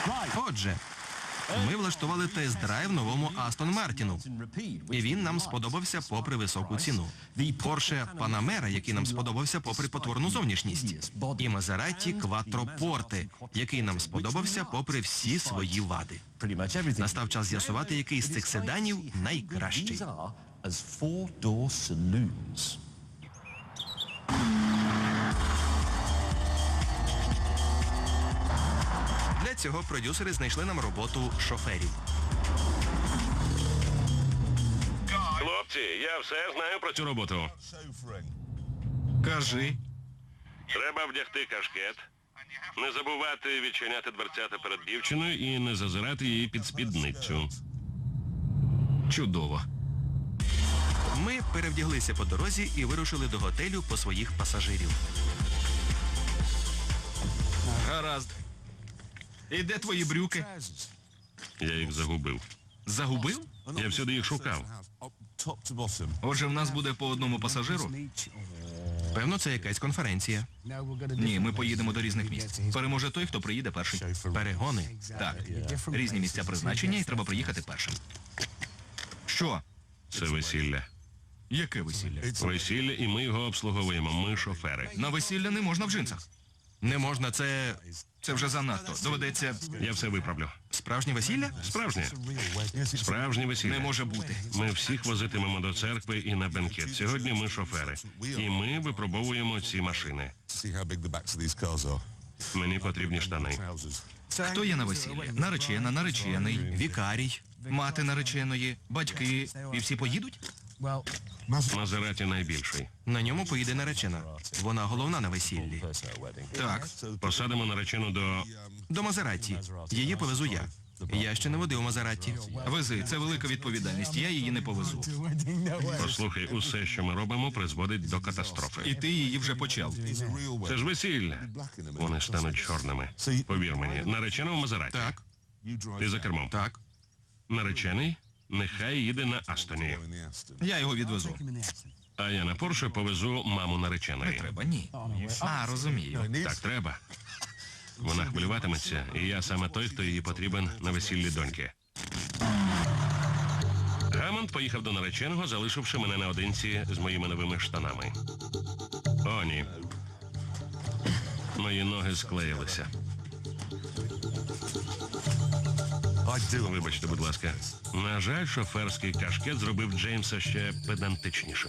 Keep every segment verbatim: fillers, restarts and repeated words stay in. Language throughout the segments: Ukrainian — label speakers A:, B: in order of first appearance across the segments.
A: Отже, ми влаштували тест-драйв новому Астон Мартіну. І він нам сподобався попри високу ціну. Порше Панамера, який нам сподобався попри потворну зовнішність. І Мазератті Кватропорте, який нам сподобався попри всі свої вади. Настав час з'ясувати, який з цих седанів найкращий. Для цього продюсери знайшли нам роботу шоферів.
B: Хлопці, я все знаю про цю роботу.
C: Кажи.
B: Треба вдягти кашкет, не забувати відчиняти дверцята перед дівчиною і не зазирати її під спідницю.
C: Чудово.
A: Ми перевдяглися по дорозі і вирушили до готелю по своїх пасажирів.
C: Гаразд. І де твої брюки?
B: Я їх загубив.
C: Загубив?
B: Я всюди їх шукав.
C: Отже, в нас буде по одному пасажиру?
A: Певно, це якась конференція.
C: Ні, ми поїдемо до різних місць. Переможе той, хто приїде перший.
A: Перегони.
C: Так, різні місця призначення і треба приїхати першим. Що?
B: Це весілля.
C: Яке весілля?
B: Весілля, і ми його обслуговуємо. Ми шофери.
C: На весілля не можна в джинсах.
A: Не можна, це
C: Це вже занадто. Доведеться...
B: Я все виправлю.
A: справжнє весілля?
B: Справжнє. Справжнє весілля.
C: Не може бути.
B: Ми всіх возитимемо до церкви і на бенкет. Сьогодні ми шофери. І ми випробовуємо ці машини. Мені потрібні штани.
C: Хто є на весіллі? Наречена, наречений,
A: Вікарій.
C: мати нареченої, батьки. І всі поїдуть?
B: Мазераті найбільший.
A: На ньому поїде наречена. Вона головна на весіллі.
C: Так.
B: Посадимо наречену до...
A: До Мазератті. Її повезу я. Я ще не водив Мазератті.
C: Вези, це велика відповідальність, я її не повезу.
B: Послухай, усе, що ми робимо, призводить до катастрофи.
C: І ти її вже почав.
B: Це ж весілля. Вони стануть чорними. Повір мені, наречена в Мазераті.
A: Так,
B: Ти за кермом.
A: так.
B: Наречений нехай їде на Астоні.
C: Я його відвезу.
B: А я на Порше повезу маму нареченої.
C: Треба, ні. А, розумію.
B: Так треба. Вона хвилюватиметься, і я саме той, хто їй потрібен на весіллі доньки. Гамонт поїхав до нареченого, залишивши мене наодинці з моїми новими штанами. О, ні. Мої ноги склеїлися. Вибачте, будь ласка. На жаль, шоферський кашкет зробив Джеймса ще педантичнішим.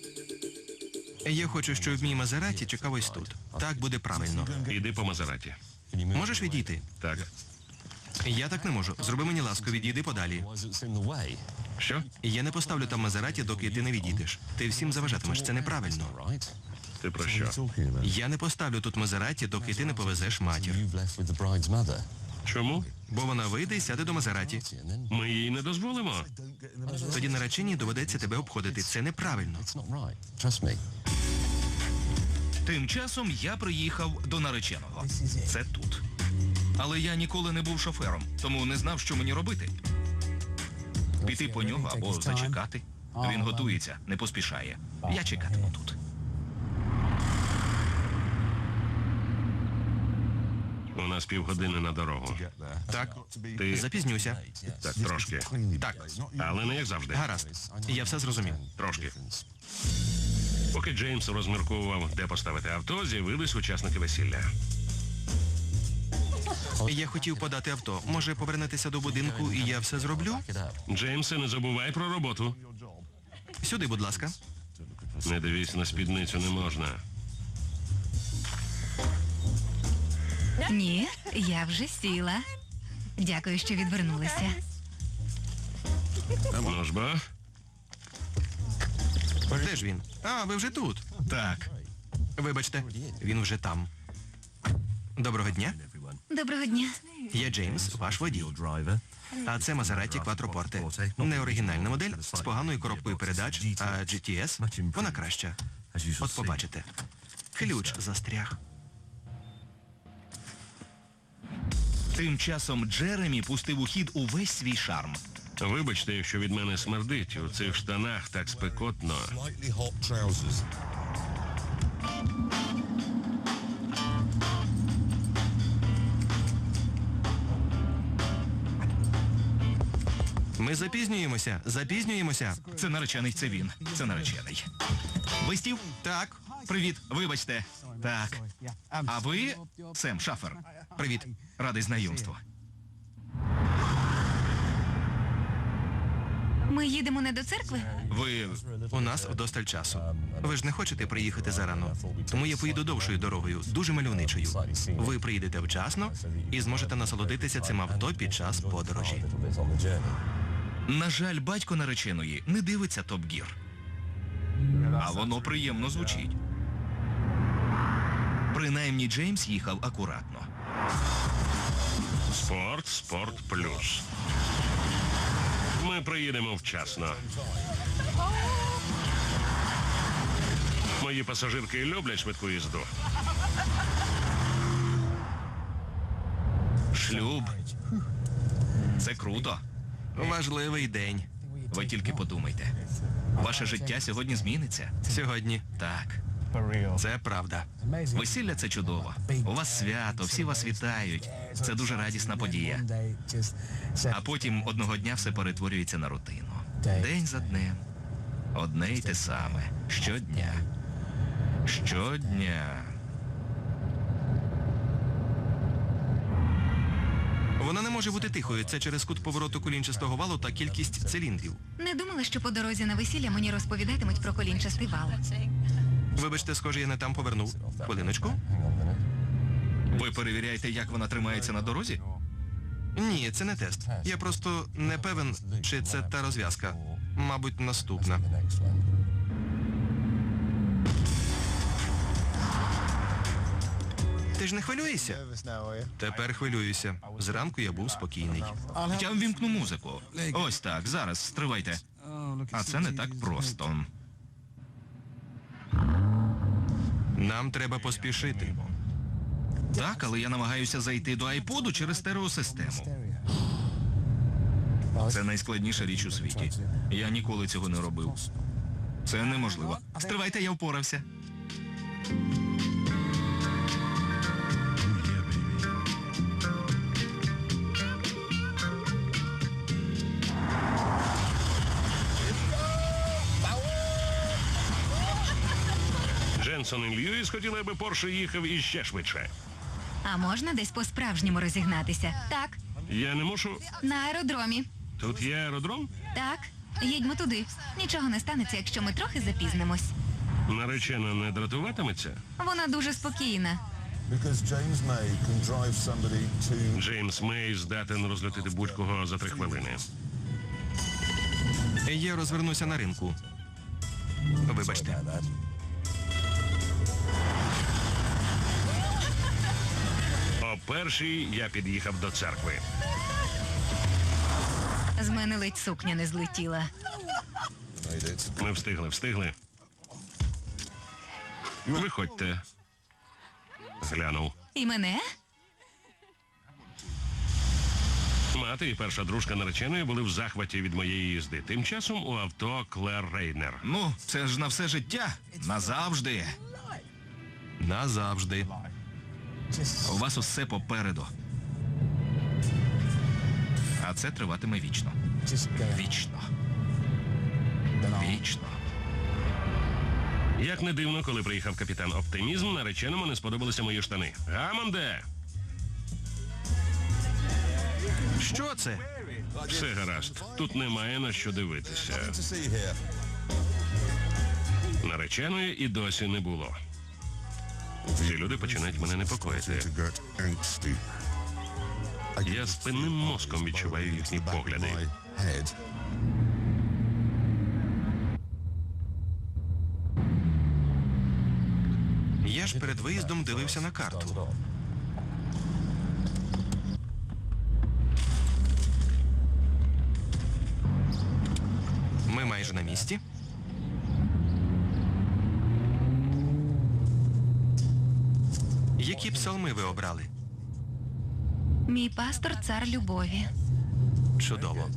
A: Я хочу, щоб мій Мазератті чекав ось тут. Так буде правильно.
B: Іди по Мазераті.
A: Можеш відійти?
B: Так.
A: Я так не можу. Зроби мені ласку, відійди подалі.
B: Що?
A: Я не поставлю там Мазератті, доки ти не відійдеш. Ти всім заважатимеш, це неправильно.
B: Ти про що?
A: Я не поставлю тут Мазератті, доки ти не повезеш матір.
B: Чому?
A: Бо вона вийде і сяде до Мазератті.
B: Ми їй не дозволимо.
A: Тоді нареченій доведеться тебе обходити. Це неправильно.
C: Тим часом я приїхав до нареченого. Це тут. Але я ніколи не був шофером, тому не знав, що мені робити. Піти по нього або зачекати. Він готується, не поспішає. Я чекатиму тут.
B: У нас півгодини на дорогу.
A: Так,
B: Ти...
A: запізнюся.
B: Так, трошки.
A: Так,
B: Але не як завжди.
A: гаразд. Я все зрозумів.
B: Трошки. Поки Джеймс розмірковував, де поставити авто, з'явились учасники весілля.
A: Я хотів подати авто. Може повернетеся до будинку і я все зроблю?
B: Джеймсе, не забувай про роботу.
A: Сюди, будь ласка.
B: Не дивись на спідницю, не можна.
D: Ні, я вже сіла. Дякую, що відвернулися.
B: Ну ж бо.
A: Де ж він? А, ви вже тут.
C: Так.
A: Вибачте, він вже там. Доброго дня.
D: Доброго дня.
A: Я Джеймс, ваш водій. А це Мазератті Кватропорте. Не оригінальна модель, з поганою коробкою передач, а джі ті ес, вона краща. От побачите. Ключ застряг.
C: Тим часом Джеремі пустив у хід увесь свій шарм.
B: Вибачте, якщо від мене смердить. У цих штанах так спекотно.
A: Ми запізнюємося, запізнюємося.
C: Це наречений, це він. Це наречений. Ви Стів?
A: Так,
C: Привіт, вибачте. Так. А ви Сем Шафер.
A: привіт.
C: Радий знайомству.
D: Ми їдемо не до церкви?
C: Ви.
A: У нас вдосталь часу. Ви ж не хочете приїхати зарано, тому я поїду довшою дорогою, дуже мальовничою. Ви приїдете вчасно і зможете насолодитися цим авто під час подорожі.
C: На жаль, батько нареченої не дивиться Топ Гір. А воно приємно звучить. Принаймні Джеймс їхав акуратно.
B: Спорт, спорт плюс. Ми приїдемо вчасно. Мої пасажирки люблять швидку їзду.
C: Шлюб. Це круто.
A: Важливий день.
C: Ви тільки подумайте. Ваше життя сьогодні зміниться.
A: Сьогодні.
C: Так.
A: Це правда.
C: Весілля це чудово. У вас свято, всі вас вітають. Це дуже радісна подія. А потім одного дня все перетворюється на рутину. День за днем. Одне й те саме. Щодня. Щодня.
A: Вона не може бути тихою. Це через кут повороту колінчастого валу та кількість циліндрів.
D: Не думала, що по дорозі на весілля мені розповідатимуть про колінчастий вал.
A: Вибачте, схоже, я не там повернув. Хвилиночку.
C: Ви перевіряєте, як вона тримається на дорозі?
A: Ні, це не тест. Я просто не певен, чи це та розв'язка. Мабуть, наступна. Ти ж не хвилюєшся? Тепер хвилююся. Зранку я був спокійний.
C: Я ввімкну музику. Ось так, зараз, стривайте. А це не так просто.
A: Нам треба поспішити.
C: Так, але я намагаюся зайти до айподу через стереосистему. Це найскладніша річ у світі. Я ніколи цього не робив. Це неможливо. Стривайте, я впорався.
B: Дженсон і Льюіс хотіли, аби Порше їхав іще швидше.
D: А можна десь по-справжньому розігнатися? Так,
B: Я не мушу...
D: на аеродромі.
B: Тут є аеродром?
D: Так, їдьмо туди. Нічого не станеться, якщо ми трохи запізнимось.
B: Наречена не дратуватиметься?
D: Вона дуже спокійна.
E: Because James May can drive somebody to
B: Джеймс Мей здатен розлютити будь-кого за три хвилини.
A: Я розвернуся на ринку. Вибачте.
B: О першій я під'їхав до церкви.
D: З мене ледь сукня не злетіла.
E: made it.
B: Ми встигли, встигли. Виходьте. Глянув.
D: І мене?
B: Мати і перша дружка нареченої були в захваті від моєї їзди. Тим часом у авто Клер Рейнер.
C: Ну, це ж на все життя. Назавжди.
A: Назавжди.
C: У вас усе попереду. А це триватиме вічно. Вічно. Вічно.
B: Як не дивно, коли приїхав капітан Оптимізм, нареченому не сподобалися мої штани. Гамонде!
A: Що це?
B: Все гаразд. Тут немає на що дивитися.
E: To see here.
B: Нареченої і досі не було. Ці люди починають мене непокоїти.
E: To get angsty.
B: Я спинним мозком відчуваю їхні погляди.
E: My head.
A: Я ж перед виїздом дивився на карту. Ми майже на місці. Які псалми ви обрали?
D: Мій пастор цар любові.
A: Чудово.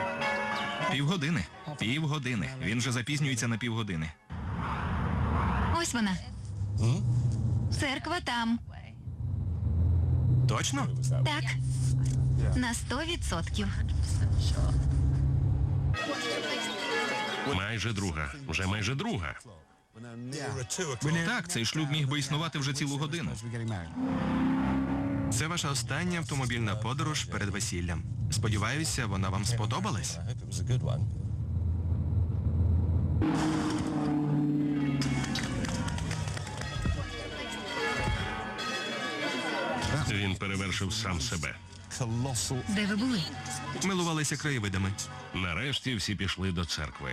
C: Півгодини. Півгодини. Він же запізнюється на півгодини.
D: Ось вона. Церква там.
A: Точно?
D: Так. На сто відсотків.
B: Майже друга. Вже майже друга.
C: Так, цей шлюб міг би існувати вже цілу годину.
A: Це ваша остання автомобільна подорож перед весіллям. Сподіваюся, вона вам сподобалась?
E: I hope it was a good one.
B: Він перевершив сам себе.
E: Colossal.
D: Де ви були?
A: Милувалися краєвидами.
B: Нарешті всі пішли до церкви.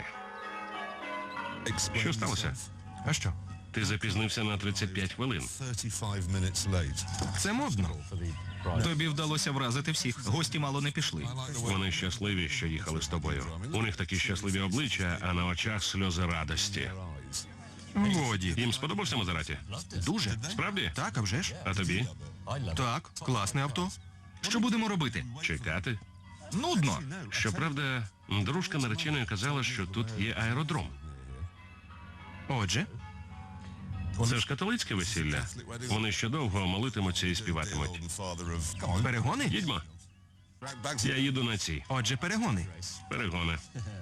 B: Що сталося?
A: А що?
B: Ти запізнився на тридцять п'ять хвилин.
E: thirty-five minutes late.
A: Це модно.
C: Тобі вдалося вразити всіх. Гості мало не пішли.
B: Вони щасливі, що їхали з тобою. У них такі щасливі обличчя, а на очах сльози радості.
A: Годі.
B: Їм сподобався Мазераті?
A: Дуже.
B: Справді?
A: Так, а вже ж?
B: А тобі?
A: Так, класне авто.
C: Що будемо робити?
B: Чекати?
C: Нудно.
B: Щоправда, дружка нареченої казала, що тут є аеродром.
A: Отже,
B: Це ж католицьке весілля. Вони ще довго молитимуться і співатимуть.
E: Father of
A: перегони?
B: Їдьмо. Я їду на ці.
A: Отже, перегони.
B: Перегони.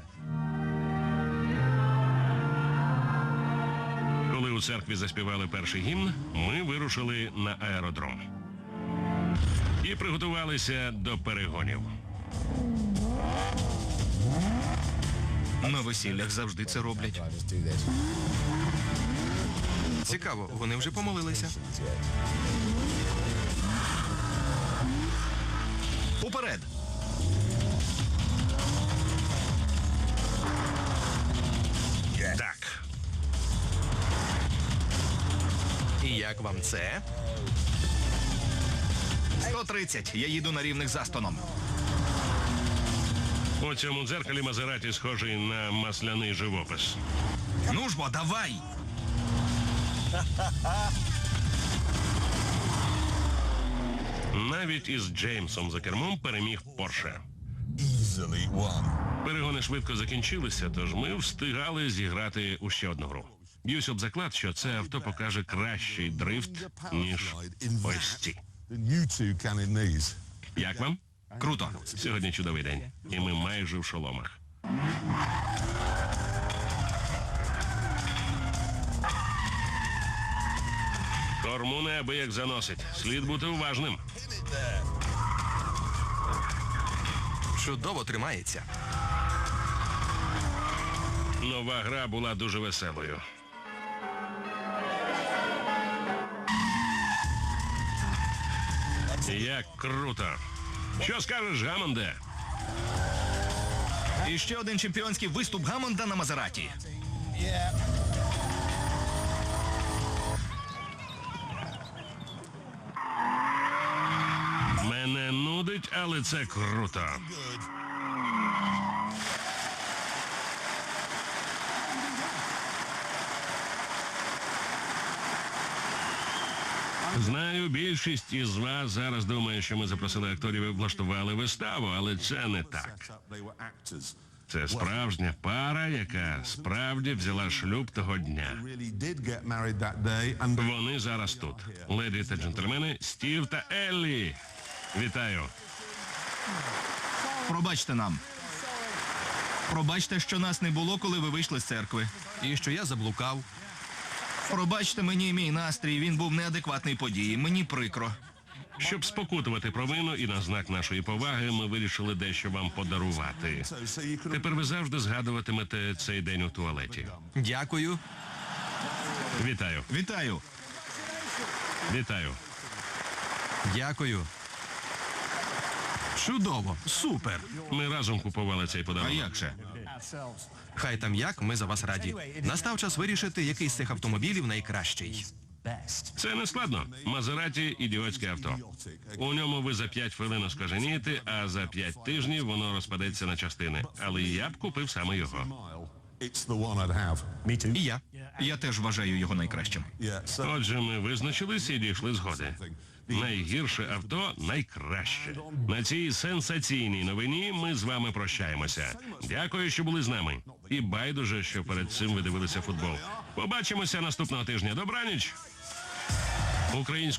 B: Коли у церкві заспівали перший гімн, ми вирушили на аеродром. І приготувалися до перегонів.
C: На весіллях завжди це роблять.
A: Цікаво, вони вже помолилися.
C: Уперед!
B: Так.
A: І як вам це?
C: сто тридцять. Я їду на рівних з Астоном.
B: У цьому дзеркалі Мазераті схожий на масляний живопис.
C: Ну ж бо, давай!
B: Навіть із Джеймсом за кермом переміг Порше.
E: easily won.
B: Перегони швидко закінчилися, тож ми встигали зіграти у ще одну гру. Б'юсь об заклад, що це авто покаже кращий дрифт, ніж ось ці.
E: The new two Canonese.
B: Як вам?
C: Круто.
B: Сьогодні чудовий день, і ми майже в шоломах. Корму неабияк заносить. Слід бути уважним.
A: Чудово тримається.
B: Нова гра була дуже веселою. Як круто! Що скажеш, Гамонде?
C: І ще один чемпіонський виступ Гамонда на Мазераті.
B: Мене нудить, але це круто. Знаю, більшість із вас зараз думає, що ми запросили акторів і влаштували виставу, але це не так.
E: They were actors.
B: Це справжня пара, яка справді взяла шлюб того дня.
E: Really did get married that day, and
B: Вони зараз тут. Леді та джентльмени, Стів та Еллі. Вітаю.
C: Пробачте нам. Пробачте, що нас не було, коли ви вийшли з церкви.
A: І що я заблукав.
C: Пробачте мені мій настрій, він був неадекватний події. Мені прикро.
B: Щоб спокутувати провину і на знак нашої поваги, ми вирішили дещо вам подарувати.
E: so, so you could have
B: Тепер ви завжди згадуватимете цей день у туалеті.
A: Дякую.
B: Вітаю.
C: Вітаю.
B: Вітаю.
A: Дякую. Чудово. Супер.
B: Ми разом купували цей
C: А
B: подарунок.
C: як же?
A: Хай там як, ми за вас раді. Настав час вирішити, який з цих автомобілів найкращий.
B: Це не складно. Мазераті – ідіотське авто. У ньому ви за п'ять хвилин оскаженієте, а за п'ять тижнів воно розпадеться на частини. Але я б купив саме його.
E: mile. It's the one I'd have.
A: І я.
C: Я теж вважаю його найкращим.
E: Yeah. So
B: Отже, ми визначились і дійшли згоди. Найгірше авто найкраще. На цій сенсаційній новині ми з вами прощаємося. Дякую, що були з нами. І байдуже, що перед цим ви дивилися футбол. Побачимося наступного тижня. Добраніч! Українською